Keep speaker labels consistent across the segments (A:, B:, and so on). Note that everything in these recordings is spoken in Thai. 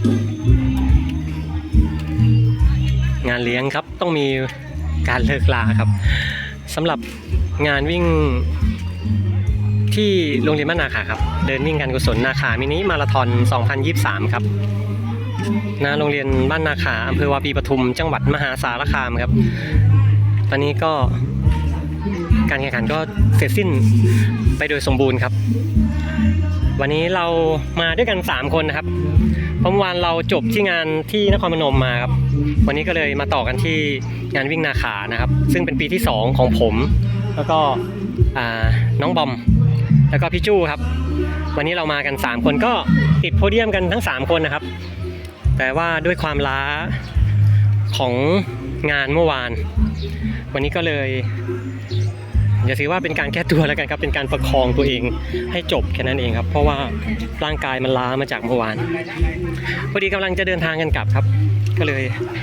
A: งานเลี้ยงครับต้องมีการเลิกลาครับสำหรับงานวิ่งที่โรงเรียนบ้านนาขาครับเดินวิ่งการกุศลนาขามินิมาราธอน 2023 ครับณโรงเรียนบ้านนาขาอำเภอวาปีปทุมจังหวัดมหาสารคามครับตอนนี้ก็การแข่งขันก็เสร็จสิ้นไปโดยสมบูรณ์ครับวันนี้เรามาด้วยกัน3คนนะครับเพราะเมื่อวานเราจบที่งานที่นครพนมมาครับวันนี้ก็เลยมาต่อกันที่งานวิ่งนาขานะครับซึ่งเป็นปีที่2ของผมแล้วก็น้องบอมแล้วก็พี่จู้ครับวันนี้เรามากัน3คนก็ติดโพเดียมกันทั้ง3คนนะครับแต่ว่าด้วยความล้าของงานเมื่อวานวันนี้ก็เลยอย่าถือว่าเป็นการแก้ตัวแล้วกันครับเป็นการประคองตัวเองให้จบแค่นั้นเองครับเพราะว่าร่างกายมันล้ามาจากเมื่อวานพอดีกำลังจะเดินทางกันกลับครับก็เลย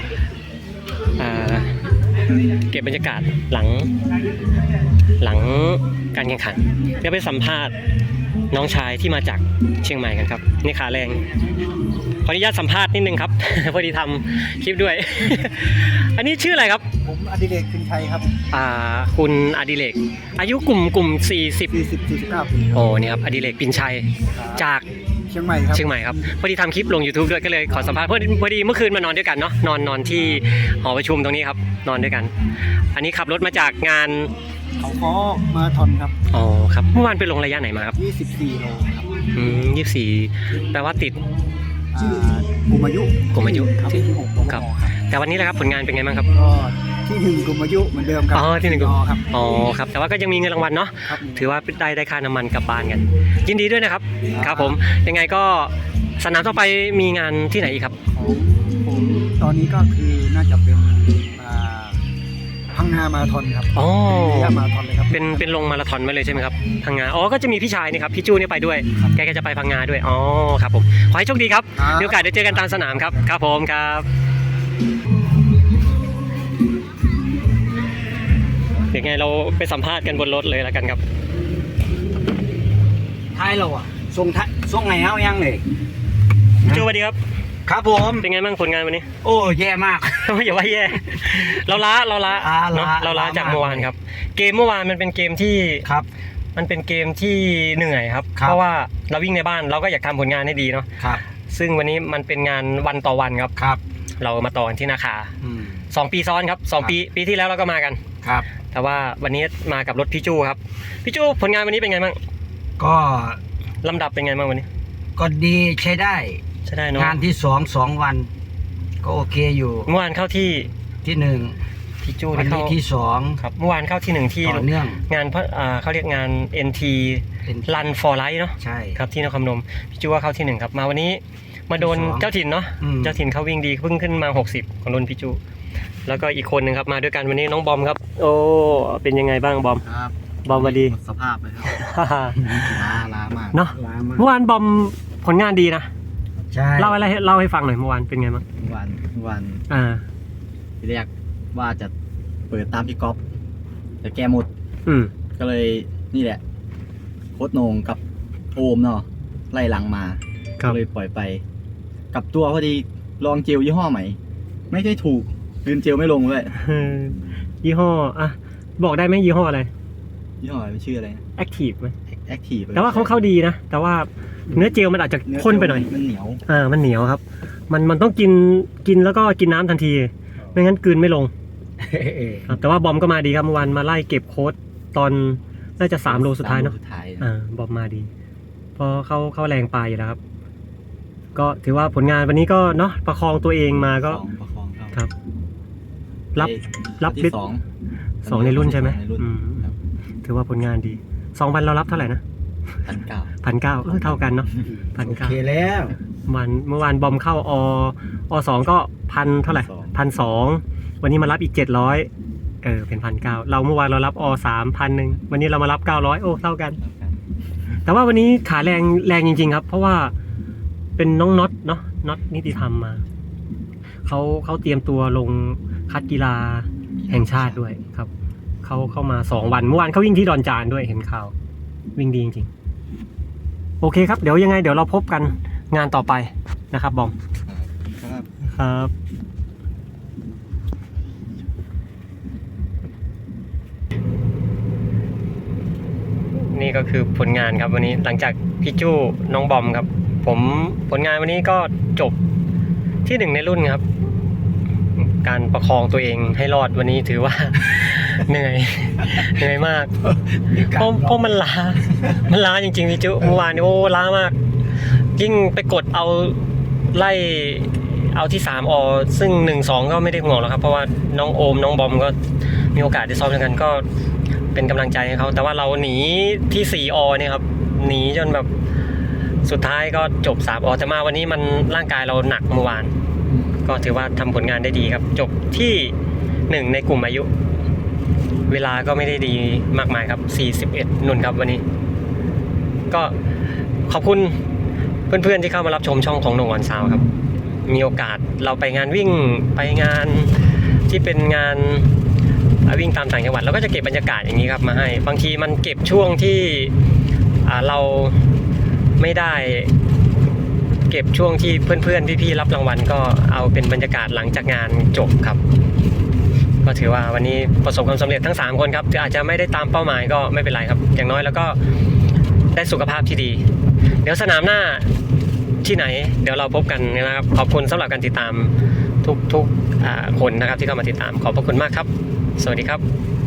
A: เก็บบรรยากาศหลังการแข่งขันเดี๋ยวไปสัมภาษณ์น้องชายที่มาจากเชียงใหม่กันครับนี่ขาแรงขออนุญาตสัมภาษณ์นิดนึงครับ พอดีทำคลิปด้วย อันนี้ชื่ออะไรครับ
B: ผมอดิเรกพินชัยครับ
A: คุณอดิเรกอายุกลุ่ม49 ปีโอ้นี่ครับอดิเรกพินชัยจาก
B: เชียงใหม่
A: ครับพอดีทำคลิปลง YouTube ด้วยก็เลยขอสัมภาษณ์พอดีเมื่อคืนมานอนด้วยกันเนาะนอนที่หอประชุมตรงนี้ครับนอนด้วยกันอันนี้ขับรถมาจากงาน
B: เขาค้อมาทอนครับ
A: อ๋อครับเมื่อวานไปลงระยะไหนมาครับ
B: 24 โลครับ
A: 24แปลว่าติด
B: กลุ่มอายุ
A: ที่6ครับแต่วันนี้แหละครับผลงานเป็นไงบ้างครับ
B: ก็ที่1กลุ่มอายุเหมือนเดิมครับ
A: ที่1กลุ่มครับครับแต่ว่าก็ยังมีเงินรางวัลเนาะถือว่าได้ค่าน้ำมันกลับบ้านกันยินดีด้วยนะครับครับผมยังไงก็สนามต่อไปมีงานที่ไหนอีกครับ
B: ผมตอนนี้ก็คือน่าจะเป็นพังงามาราธอนครับมาราธอนเลยครับ
A: เป็นลงมาราธอนมาเลยใช่ไหมครับพังงาก็จะมีพี่ชายนี่ครับพี่จู้นี่ไปด้วยแกก็จะไปพังงาด้วยครับผมขอให้โชคดีครับมีโอกาสได้เจอกันตามสนามครับครับผมครับเดี๋ยวไงเราไปสัมภาษณ์กันบนรถเลยแล้วกันครับ
B: ท้ายเราส่งไหนเอายังเลย
A: จู้สวัสดีครับ
B: ครับผม
A: เป็นไงบ้างผลงานวันนี้
B: โอ้แย่มาก
A: อย่าว่าแย่เราล้าจากเมื่อวานครับเกมเมื่อวานมันเป็นเกมที่
B: ครับ
A: มันเป็นเกมที่เหนื่อยครับเพราะว่าเราวิ่งในบ้านเราก็อยากทำผลงานให้ดีเนาะซึ่งวันนี้มันเป็นงานวันต่อวันครับเรามาต่อกันที่นาคา2 ปีซ้อนครับ2 ปีที่แล้วเราก็มากัน
B: ครับ
A: แต่ว่าวันนี้มากับรถพี่จู้ครับพี่จู้ผลงานวันนี้เป็นไงบ้าง
B: ก็
A: ลำดับเป็นไงบ้างวันนี้
B: ก็ดีใช้ได้
A: เนาะ
B: งานที่2 วันก็โอเคอยู่
A: เมื่อวานเข้าที่
B: 1
A: พี่จู้
B: วันนี้ที่2
A: ครับเมื่อวานเข้าที่1ที่
B: ต่อเนื่อง
A: งานเขาเรียกงาน NT Run for Life เนาะ
B: ใช่
A: ครับที่นครพนมพี่จู้ว่าเข้าที่1ครับมาวันนี้มาโดนเจ้าถิ่นเนาะเจ้าถิ่นเขาวิ่งดีเพิ่งขึ้นมา60ของรุ่นพี่จู้แล้วก็อีกคนนึงครับมาด้วยกันวันนี้น้องบอมครับโอ้เป็นยังไงบ้างบอม
B: ครับ
A: บอมวันดี
B: สภาพเลยครับล้ามาก
A: เนาะเมื่อวานบอมผลงานดีนะ
B: ใช่
A: เล่าให้ฟังหน่อยเมื่อวานเป็นไงบ้าง
C: เมื่อวานที่แรกว่าจะเปิดตามพี่ก๊อฟแต่แกหมดก็เลยนี่แหละโค้ชโหน่งกับโอมเนาะไล่หลังมาก็เลยปล่อยไปกับตัวพอดีลองเจลยี่ห้อใหม่ไม่ได้ถูกลืมเจลไม่ลงเลย
A: ยี่ห้อบอกได้ไหมยี่ห้ออะไร
C: ยี่ห้ออะไรชื่ออะไร
A: Active ไหม
C: Active
A: แต่ว่าเขาเข้าดีนะแต่ว่าเนื้อเจลมันอาจจะข้นไปหน่อย
C: มันเหนียว
A: มันเหนียวครับมันต้องกินแล้วก็กินน้ำทันทีไม่งั้นกลืนไม่ลงแต่ว่าบอมก็มาดีครับเมื่อวานมาไล่เก็บโค้ดตอนน่าจะ3 โลสุดท้ายเนาะบอมมาดีเพราะเขาแรงปลายอยู่แล้วครับก็ถือว่าผลงานวันนี้ก็เนาะประคองตัวเองมาก็ครับรับ
C: ที่
A: 2ในรุ่นใช่ไหมถือว่าผลงานดี2 วันเรารับเท่าไหร่นะ1,900เท่ากันเนาะ
B: 1,900โอเคแล้ว
A: เมื่อวานบอมเข้าอ2ก็1,000เท่าไหร่1,200วันนี้มารับอีก700เป็น1,900เราเมื่อวานเรารับ3 1,000วันนี้เรามารับ900โอ้เท่ากันแต่ว่าวันนี้ขาแรงจริงๆครับเพราะว่าเป็นน้องน็อตเนาะน็อตนิติธรรมมาเขาเตรียมตัวลงคัดกีฬาแห่งชาติด้วยครับเขาเข้ามา2 วันเมื่อวานเขาวิ่งที่ดอนจานด้วยเห็นข่าววิ่งดีจริงๆโอเคครับเดี๋ยวยังไงเดี๋ยวเราพบกันงานต่อไปนะครับบอม
C: ครับ
A: ครับ นี่ก็คือผลงานครับวันนี้หลังจากพี่จู้น้องบอมครับ ผมผลงานวันนี้ก็จบที่ 1ในรุ่นครับ การประคองตัวเองให้รอดวันนี้ถือว่า เหนื่อยมากเพราะมันล้าจริงๆพี่จู้เมื่อวานนี้โอ้ล้ามาก ยิ่งไปกดเอาไล่เอาที่3อซึ่ง1-2ก็ไม่ได้ห่วงหรอกครับเพราะว่าน้องโอมน้องบอมก็มีโอกาสได้ซ้อมด้วยกันก็เป็นกำลังใจให้เขาแต่ว่าเราหนีที่4อเนี่ยครับหนีจนแบบสุดท้ายก็จบ3อแต่มาวันนี้มันร่างกายเราหนักเมื่อวาน ก็ถือว่าทำผลงานได้ดีครับ จบที่1ในกลุ่มอายุ เวลาก็ไม่ได้ดีมากมายครับ41นุ่นครับวันนี้ ก็ขอบคุณเพื่อนๆที่เข้ามารับชมช่องของหนุ่มวันซาวครับ มีโอกาสเราไปงานวิ่งไปงานที่เป็นงานวิ่งตามต่างจังหวัดเราก็จะเก็บบรรยากาศอย่างนี้ครับมาให้บางทีมันเก็บช่วงที่เราไม่ได้เก็บช่วงที่เพื่อนๆพี่ๆรับรางวัลก็เอาเป็นบรรยากาศหลังจากงานจบครับ ก็ถือว่าวันนี้ประสบความสำเร็จทั้ง3คนครับอาจจะไม่ได้ตามเป้าหมายก็ไม่เป็นไรครับอย่างน้อยแล้วก็ได้สุขภาพที่ดีเดี๋ยวสนามหน้าที่ไหนเดี๋ยวเราพบกันนะครับขอบคุณสำหรับการติดตามทุกคนนะครับที่เข้ามาติดตามขอบพระคุณมากครับสวัสดีครับ